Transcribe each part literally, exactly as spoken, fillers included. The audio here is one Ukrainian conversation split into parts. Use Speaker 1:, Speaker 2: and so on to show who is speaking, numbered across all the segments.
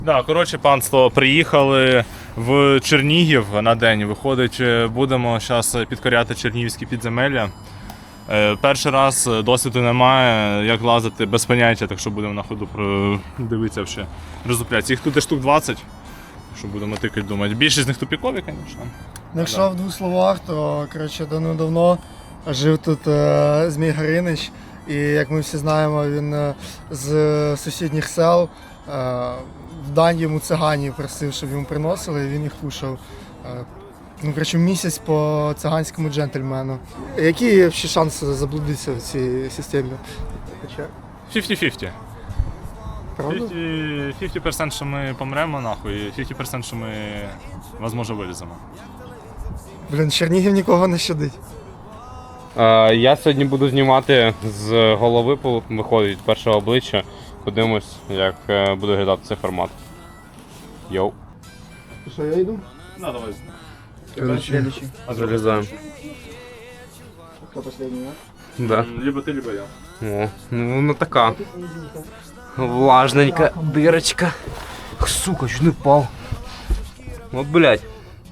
Speaker 1: Да, коротше, панство, приїхали в Чернігів на день. Виходить, будемо зараз підкоряти чернігівські підземелля. Перший раз досвіду немає, як лазити без поняття, так що будемо на ходу дивитися ще роздуплятися. Їх тут десь штук двадцять, що будемо тикати, думати. Більшість з них тупікові, звісно.
Speaker 2: Якщо в двох словах, то коротше, давно жив тут е, Змій Гаринич. І як ми всі знаємо, він е, з сусідніх сел е, в дань йому циганів просив, щоб йому приносили, і він їх кушав. Е, ну, коротше, місяць по циганському джентльмену. Які ще шанси заблудитися в цій системі?
Speaker 1: п'ятдесят на п'ятдесят.
Speaker 2: Правда?
Speaker 1: п'ятдесят відсотків, що ми помремо, нахуй, і п'ятдесят відсотків, що ми, можливо, виліземо.
Speaker 2: Блін, Чернігів нікого не щадить.
Speaker 3: Е, я сьогодні буду знімати з голови, виходить, першого обличчя. Подивимось, як е, буде виглядати цей формат. Йоу.
Speaker 2: Що, я йду?
Speaker 1: На, давай.
Speaker 2: Следующий.
Speaker 3: Залізаємо.
Speaker 2: Хто останній, а?
Speaker 3: Да.
Speaker 1: Либо ти, либо я.
Speaker 3: О, ну вона така. Влажненька дирочка. Сука, чуть не впав. От, блядь.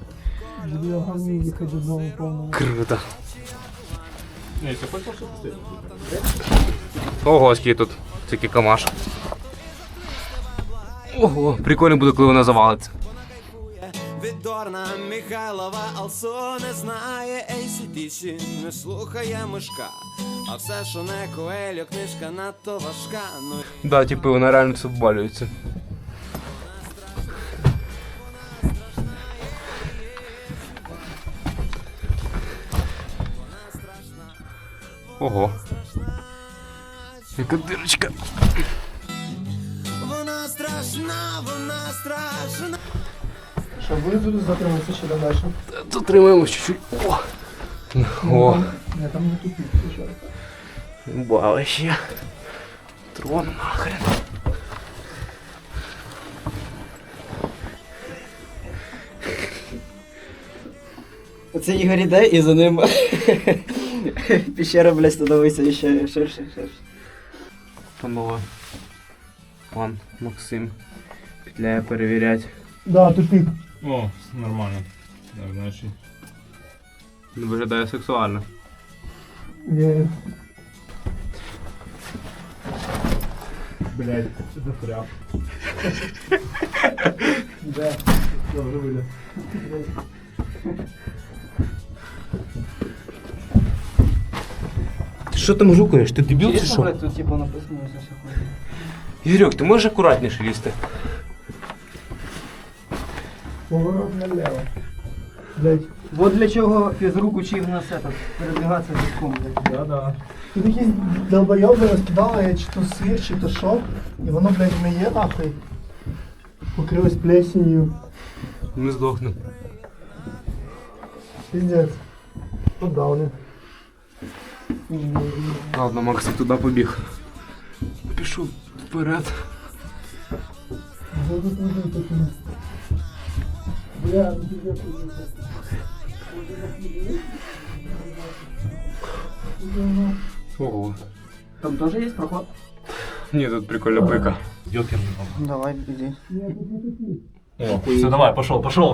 Speaker 3: Круто.
Speaker 1: Ні, ти хочеш що
Speaker 3: Ого, скільки тут тільки камаш. Ого, прикольно буде, коли вона завалиться.
Speaker 4: Відорна Михайлова Алсо не знає ей сі ді сі, не слухає мишка. А все, що не Коельо, книжка надто важка. Ну
Speaker 3: Да, типу, вона реально все вбалюється. Ого. Яка дирочка.
Speaker 4: вона страшна, вона страшна.
Speaker 2: Що, буде тут затриматися ще далі?
Speaker 3: Затримаємось чуть-чуть. О! О!
Speaker 2: Я там не тупик, що?
Speaker 3: Балище. Трон нахрен.
Speaker 5: Оце Ігор іде і за ним піщера, блядь, становиться ще ширше, ширше.
Speaker 3: Панове. Пан Максим петляє перевіряти.
Speaker 2: Да, тупик.
Speaker 1: О, нормально. Так, значить.
Speaker 3: Виглядає сексуально.
Speaker 2: Є.
Speaker 1: Блядь, це запряг.
Speaker 2: Де? Добре вийде.
Speaker 3: Ти що там жукаєш? Ти дебіл чи що?
Speaker 5: Тут типу написано все все ходить.
Speaker 3: Ігорьок, ти можеш акуратніше лізти?
Speaker 2: Поворот налево. Блять.
Speaker 5: Вот для чого фізрук учив нас этот, передвигатися піском, блядь.
Speaker 2: Да-да. Тут якісь долбойоби розкидали, чи то сир, чи то що. І воно, блядь, гниє нахуй. Покрилось плесенью.
Speaker 3: Ми здохнемо.
Speaker 2: Пиздец. Тут дауни.
Speaker 3: Ладно, Максим туди побіг. Пішов вперед.
Speaker 2: Бля, ну пиздец, пиздец.
Speaker 3: Ого.
Speaker 5: Там теж є проход?
Speaker 3: Ні, тут прикольна пика.
Speaker 1: Йокерний.
Speaker 5: Давай, іди.
Speaker 1: О, все, давай, пошел, пошел.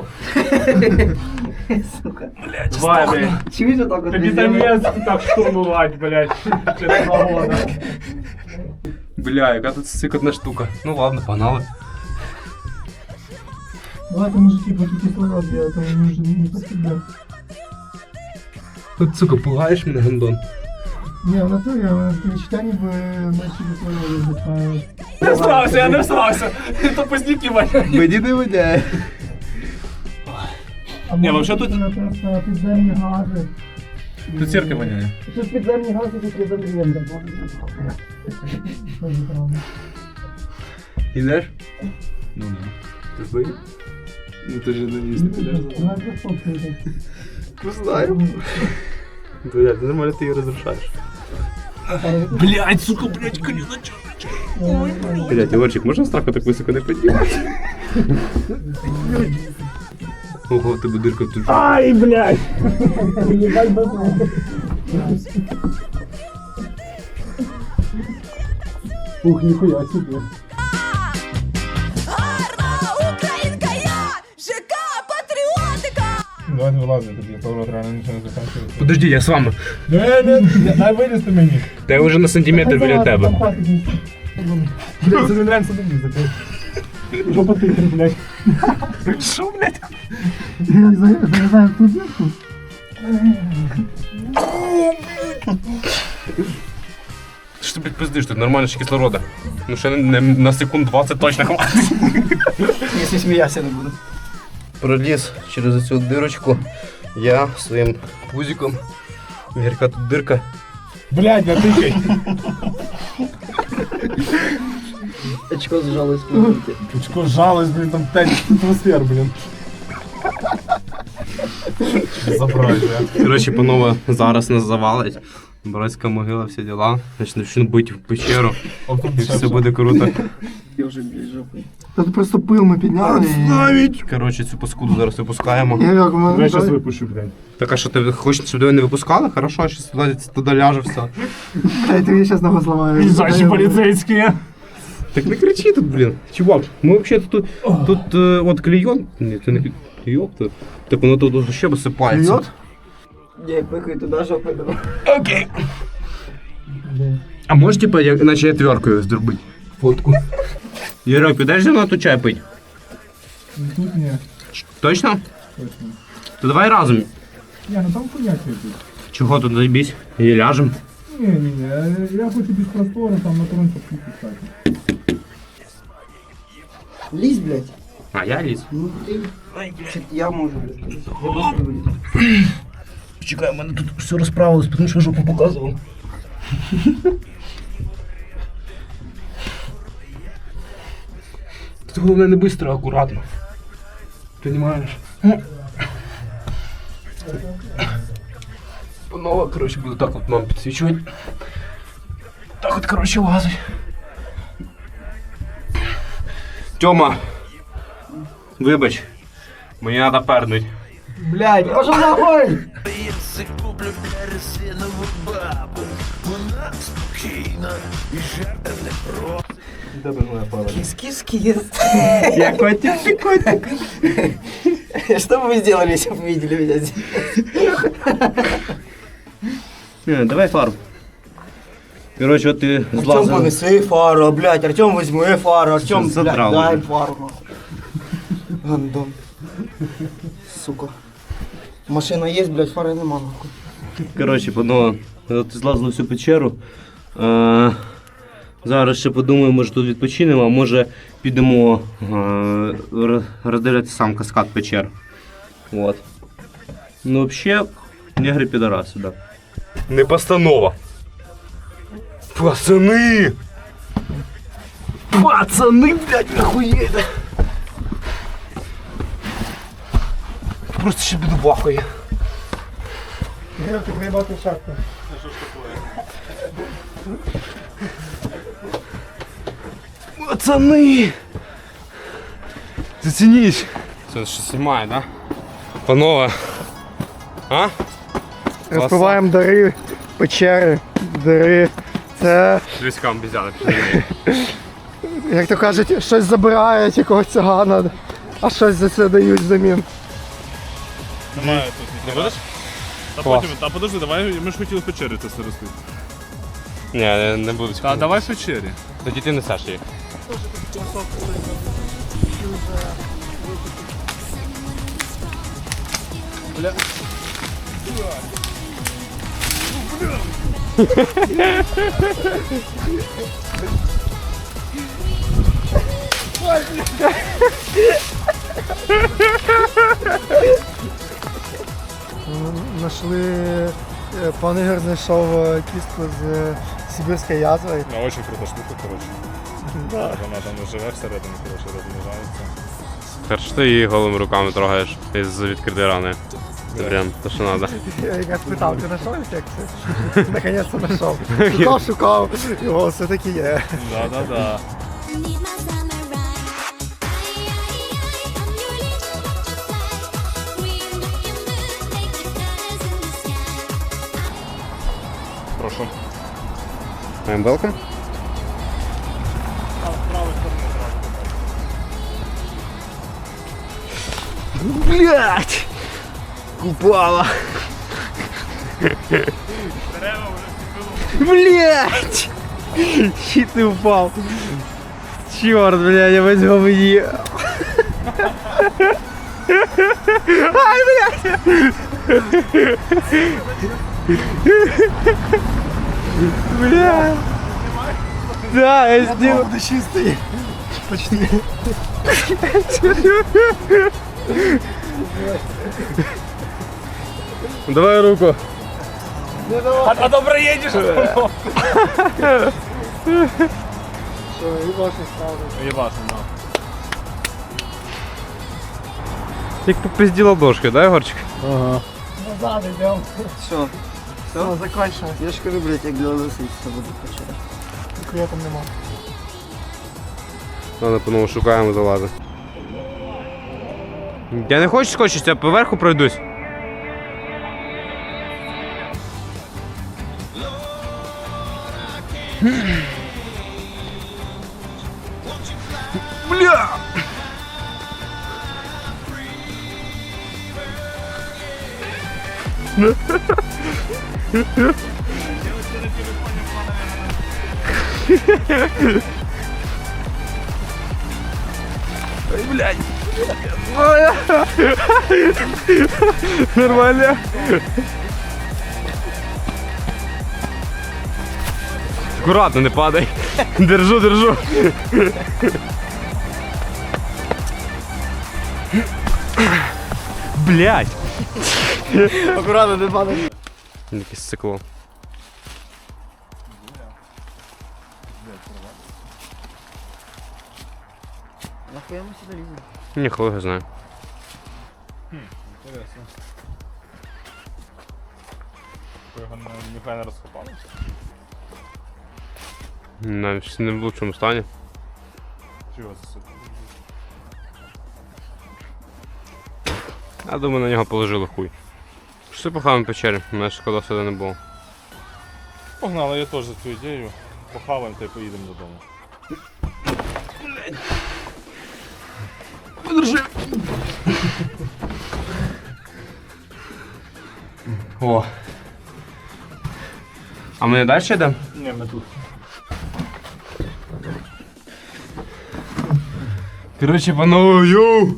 Speaker 5: Сука.
Speaker 1: Давай, блядь.
Speaker 5: Чуєш отак от?
Speaker 1: Капитанец так штурмовать, блядь. Через два года.
Speaker 3: Бля, яка тут сикотна штука. Ну ладно, погнали.
Speaker 2: Давайте, мужики, по кислород, я там не уже не посидел.
Speaker 3: От, сука, пугаєш мене, гандон?
Speaker 2: Не, в натуре, в читании бы начали кислород.
Speaker 1: Не всрався, я не всрався. То поздніки воняють.
Speaker 3: Мені не видяє.
Speaker 1: Не, вообще тут-
Speaker 2: Просто підземні гази.
Speaker 1: Тут церква воняє.
Speaker 2: Тут підземні гази, тут є замрієнда. Що ж правда?
Speaker 3: Ідеш?
Speaker 1: Ну да.
Speaker 3: Ти вбив? Ну ти ж не їсти підеш.
Speaker 2: Вона фоткає.
Speaker 3: Не знаю. Блядь, ти нормально ти її розрушаєш.
Speaker 1: Блядь, сука, блядь, коліна чорне.
Speaker 3: Блядь, Ігорчик, можна страху так високо не піднімати? Ого, в тебе дирка тут.
Speaker 1: Ай, блядь.
Speaker 2: Ебать бабу. Ух, нихуя себе.
Speaker 6: давайте вилазити, тобі поворот реально нічого не закінчується.
Speaker 3: Подожди, я з вами.
Speaker 6: Не, не, дай вилізти мені.
Speaker 3: Та я вже на сантиметр біля тебе.
Speaker 6: Блядь, це не нравится вилізти. Жопа тихо, блядь.
Speaker 3: Що, блядь?
Speaker 2: Як залізаємо в ту дірку?
Speaker 3: Що ти, блядь, пиздиш, тут нормально ж кислорода. Ну ще не, не, на секунд двадцять точно хватить.
Speaker 5: Якщо сміявся не буду.
Speaker 7: Проліз через цю дирочку я своїм пузиком. Гірка тут дирка.
Speaker 6: Блядь, натикай.
Speaker 5: Очко зжалось спинити.
Speaker 6: Очко жалось, блін, там п'ять атмосфер, блін. Забрать, блядь.
Speaker 3: Коротше, панове, зараз нас завалить. Братська могила, всі діла. Значить, почну бити в печеру. І все буде круто.
Speaker 5: Я вже біля жопи.
Speaker 2: Та тут просто пил ми підняли. і-
Speaker 3: Коротше, цю паскуду зараз випускаємо.
Speaker 2: Ігорьок, ми-
Speaker 6: Я зараз випущу, блядь.
Speaker 3: Так, а що ти хочеш, щоб тебе не випускали? Хорошо, зараз туди, туди ляже все.
Speaker 2: Блядь, ти мені зараз ногу зламаєш.
Speaker 6: Їжджачі поліцейські.
Speaker 3: Так не кричи тут, блін. Чувак, ми взагалі тут, тут е, от клейон. Ні, це не клейон, то. Так воно тут ще висипається.
Speaker 2: Клейон?
Speaker 5: Я пихаю туди жопи.
Speaker 3: Окей. А можеш, типа, як, наче отверткою зробити фотку? Юрок, підеш зі мною тут чай пить?
Speaker 6: Тут ні.
Speaker 3: Точно?
Speaker 6: Точно.
Speaker 3: То давай разом.
Speaker 6: Ні, ну там хуйня тут.
Speaker 3: Чого тут заебись? І ляжем.
Speaker 6: Ні, ні, ні, я хочу без простору, там на тронці кстати.
Speaker 5: Лізь, блядь.
Speaker 3: А я ліз.
Speaker 5: Ну ти. Чи я можу, блядь. Я просто вилізу.
Speaker 3: Чекай, у мене тут все розправилось, тому що жопу показував. Тут головне не швидко, а акуратно. Понимаєш? Панове, коротше, буду так от нам підсвічувати. Так от, коротше, лазить. Тьома, вибач, мені треба пернуть.
Speaker 5: Блядь, пошел нахуй! Кис-кис-кис.
Speaker 3: Я котик, ти котик.
Speaker 5: Что бы вы сделали, если бы видели меня здесь?
Speaker 3: Давай фарб. Короче, от ти
Speaker 5: Артем,
Speaker 3: злазив.
Speaker 5: понеси фару, блядь, Артем, возьми фару, Артем, блядь,
Speaker 3: Задрал
Speaker 5: дай
Speaker 3: уже.
Speaker 5: фару, нахуй. Гандон. Сука. Машина есть, блядь, фари нема, нахуй.
Speaker 3: Коротше, панове, от злазили всю печеру. Е, зараз ще подумаю, може тут відпочинемо, а може підемо е, роз- роздивлятися сам каскад печер. От. Ну, взагалі, негри підараси, да. Не постанова. Пацани! Пацани, блядь, охуєте! Просто ще піду бахує.
Speaker 2: Ігорьок, ти приїбав ту шапку.
Speaker 3: Пацани! Зацініть! Це що знімає, да? Панове. А?
Speaker 2: Розпиваємо дари, печери, дари. Це,
Speaker 3: Військам взяли.
Speaker 2: як то кажуть, щось забирають якогось цигана, а щось за це дають взамін.
Speaker 1: Немає тут. Не будеш? Та
Speaker 3: Клас.
Speaker 1: потім, та подожди, давай, ми ж хотіли в печері це все розкрити.
Speaker 3: Ні, не, не буду.
Speaker 1: Та давай в печері.
Speaker 3: Тоді ти несеш їх.
Speaker 2: Нашли, е, пан Ігор знайшов е, кістку з е, сибірської язви.
Speaker 1: Ну, дуже крута штука, коротше. Вона там живе всередині, коротше, розмножається.
Speaker 3: Хорошо, ти її голими руками трогаєш із відкритої рани. Це прям те, що треба.
Speaker 2: Я якраз питав, ти знайшов інфекцію? Наконець-то знайшов. Шукав, шукав, його все-таки є.
Speaker 1: Да-да-да.
Speaker 8: Need my summer ride. Ay, ay, ay, I'm your little butterfly. We're making moves, make the colors in the sky.
Speaker 1: Прошу.
Speaker 3: I'm welcome.
Speaker 2: Блять!
Speaker 3: Упала. Блять! Щит ты упал. Черт, блядь, я возьму мне. Ай, блядь! Бля. Да, я сделал.
Speaker 2: Правда чистий. Почти.
Speaker 3: Давай руку.
Speaker 1: А, а то проїдеш.
Speaker 2: Що, їбашний справді.
Speaker 1: Єбашим, да.
Speaker 3: Як попизді ладошки, да, Егорчик?
Speaker 2: Назад йдемо.
Speaker 5: Все.
Speaker 2: Все, закінчимо.
Speaker 5: Я ж кажу, блядь, як для лисиця буду почати.
Speaker 2: Ніхуя там нема.
Speaker 3: Ладно, по-новому шукаємо залази. Я не хочу скочити, я поверху пройдусь. Бля! Ой, блядь. Нормально. Аккуратно, не падай. Держу, держу. Блядь.
Speaker 5: Акуратно, не падай.
Speaker 3: Якесь цикло.
Speaker 5: Нахуя ми сюди ліземо?
Speaker 3: Ні, хто його знає.
Speaker 1: Інтересно. Його не- ніхуя не розкопали.
Speaker 3: Навіть не в лучшому стані.
Speaker 1: Чи його засипали?
Speaker 3: Я думаю, на нього положили хуй. Що похаваємо в печері? У мене шкода сюди не було.
Speaker 1: Погнали, я теж за цю ідею. Похаваємо та й поїдемо додому.
Speaker 3: О. А ми не далі йдемо?
Speaker 1: Ні, ми тут.
Speaker 3: Коротше, панове, йоу!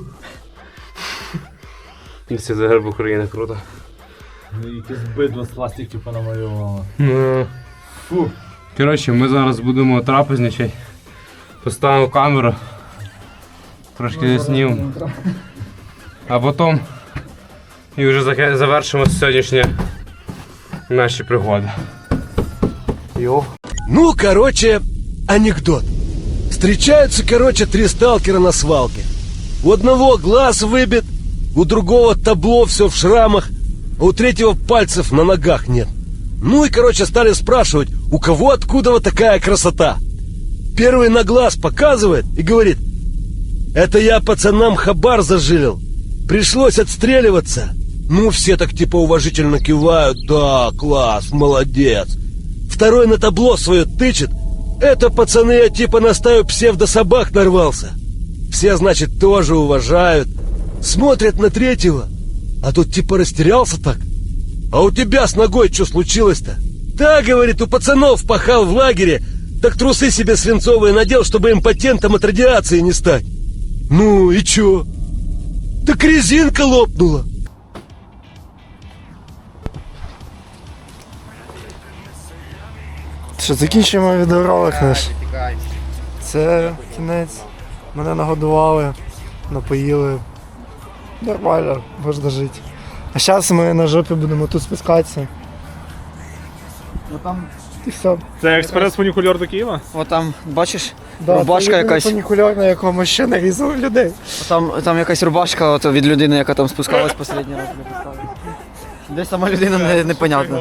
Speaker 3: Це за герб України, круто.
Speaker 6: Якесь бидло з пластиків понамалювало.
Speaker 3: Ну. Фу. Коротше, ми зараз будемо трапезничати. Поставимо камеру. Трошки заснімемо. А потім і вже заке- завершимо сьогоднішні наші пригоди. Йо.
Speaker 9: Ну, короче, анекдот. Встречаются, короче, три сталкера на свалке. У одного глаз выбит, у другого табло все в шрамах, а у третьего пальцев на ногах нет. Ну и, короче, стали спрашивать, у кого откуда вот такая красота. Первый на глаз показывает и говорит: это я пацанам хабар зажилил. Пришлось отстреливаться. Ну, все так типа уважительно кивают. Да, класс, молодец. Второй на табло свое тычет. Это, пацаны, я типа на стаю псевдособак нарвался. Все, значит, тоже уважают. Смотрят на третьего. А тут типа растерялся так. А у тебя с ногой что случилось-то? Да, говорит, у пацанов пахал в лагере. Так трусы себе свинцовые надел, чтобы импотентом от радиации не стать. Ну и чё? Так резинка лопнула.
Speaker 2: Що, закінчуємо відеоролик наш. Це кінець. Мене нагодували, напоїли. Нормально, можна жити. А зараз ми на жопі будемо тут спускатися.
Speaker 5: Ну там,
Speaker 2: І все.
Speaker 1: Це експрес-фунікульор до Києва?
Speaker 5: от там, бачиш,
Speaker 2: Да,
Speaker 5: рубашка
Speaker 2: це
Speaker 5: якась.
Speaker 2: фунікульор, на якому ще нарізали людей.
Speaker 5: Там, там якась рубашка от, від людини, яка там спускалась останній раз. не представилась. Де сама людина, не, непонятно.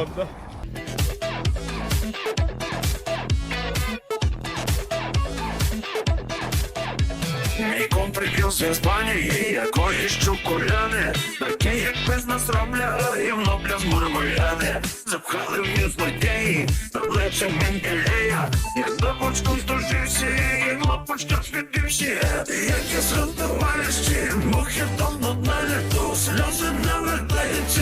Speaker 10: Мій ком прикрився з Іспанії, якої щукуляни. Таке, як без нас роблять, рівно бля змурмуляни. Запхали вниз злодії, обличчя Менделея. Я до почку здожився, і лапочка світився. Як я згадувалися, мухи давно на літу, сльози не вертаються.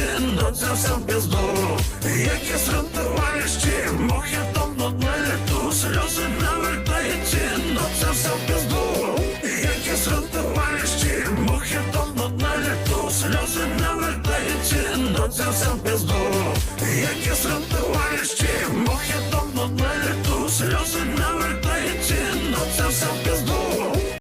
Speaker 10: зґвалтувальщі, мухи тонуть на літу, сльози не вертаються, но це все в пізду. Які зґвалтувальщі, мухи